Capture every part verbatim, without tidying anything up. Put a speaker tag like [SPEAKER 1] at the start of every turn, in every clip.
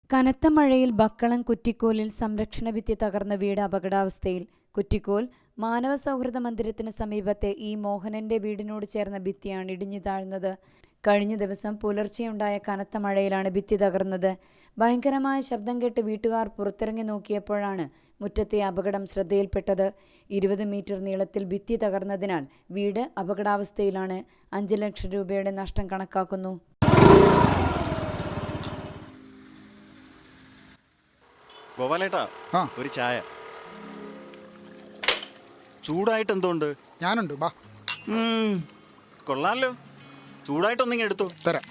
[SPEAKER 1] കനത്ത മഴയിൽ ബക്കളം കുറ്റിക്കോലിൽ സംരക്ഷണ ഭിത്തി തകർന്ന വീട് അപകടാവസ്ഥയിൽ. കുറ്റിക്കോൽ മാനവ സൗഹൃദ മന്ദിരത്തിന് സമീപത്തെ ഈ മോഹനന്റെ വീടിനോട് ചേർന്ന ഭിത്തിയാണ് ഇടിഞ്ഞു താഴ്ന്നത്. കഴിഞ്ഞ ദിവസം പുലർച്ചെയുണ്ടായ കനത്ത മഴയിലാണ് ഭിത്തി തകർന്നത്. ഭയങ്കരമായ ശബ്ദം കേട്ട് വീട്ടുകാർ പുറത്തിറങ്ങി നോക്കിയപ്പോഴാണ് മുറ്റത്തെ അപകടം ശ്രദ്ധയിൽപ്പെട്ടത്. ഇരുപത് മീറ്റർ നീളത്തിൽ ഭിത്തി തകർന്നതിനാൽ വീട് അപകടാവസ്ഥയിലാണ്. അഞ്ച് ലക്ഷം രൂപയുടെ നഷ്ടം കണക്കാക്കുന്നു.
[SPEAKER 2] ഗോപാലേട്ടാ, ഒരു ചായ. ചൂടായിട്ട് എന്തുകൊണ്ട്?
[SPEAKER 3] ഞാനുണ്ട്, ബാ.
[SPEAKER 2] കൊള്ളാലോ, ചൂടായിട്ടൊന്നിങ്ങ എടുത്തോ.
[SPEAKER 3] തരാം.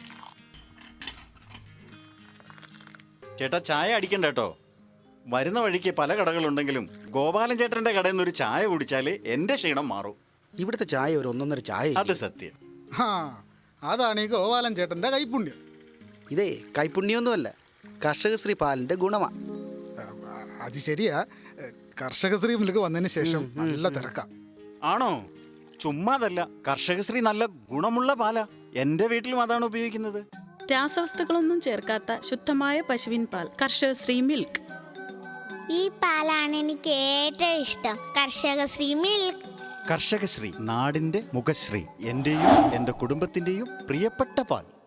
[SPEAKER 2] ചേട്ടാ, ചായ അടിക്കണ്ട കേട്ടോ. വരുന്ന വഴിക്ക് പല കടകളുണ്ടെങ്കിലും ഗോപാലൻ ചേട്ടന്റെ കടയിൽ നിന്ന് ഒരു ചായ കുടിച്ചാല് എന്റെ ക്ഷീണം മാറും.
[SPEAKER 4] ഇവിടുത്തെ ചായ ഒരു ഒന്നൊന്നര ചായ.
[SPEAKER 2] അത് സത്യം.
[SPEAKER 3] ആ, അതാണ് ഈ ഗോപാലൻ ചേട്ടന്റെ കൈപ്പുണ്യം.
[SPEAKER 4] ഇതേ കൈപ്പുണ്യൊന്നുമല്ല, കർഷകശ്രീ പാലിന്റെ ഗുണമാ.
[SPEAKER 3] അത് ശരിയാ, കർഷകശ്രീ മിൽക്ക് വന്നതിന് ശേഷം നല്ല തിരക്കാം.
[SPEAKER 2] ആണോ? ചുമ്മാതല്ല, കർഷകശ്രീ നല്ല ഗുണമുള്ള പാലാ. എന്റെ വീട്ടിലും അതാണ് ഉപയോഗിക്കുന്നത്.
[SPEAKER 5] രാസവസ്തുക്കളൊന്നും ചേർക്കാത്ത ശുദ്ധമായ പശുവിൻ പാൽ, കർഷകശ്രീ മിൽക്ക്.
[SPEAKER 6] ഈ പാലാണ് എനിക്ക് ഏറ്റവും ഇഷ്ടം, കർഷകശ്രീ മിൽക്ക്.
[SPEAKER 2] കർഷകശ്രീ, നാടിന്റെ മുഖശ്രീ. എന്റെയും എന്റെ കുടുംബത്തിന്റെയും പ്രിയപ്പെട്ട പാൽ.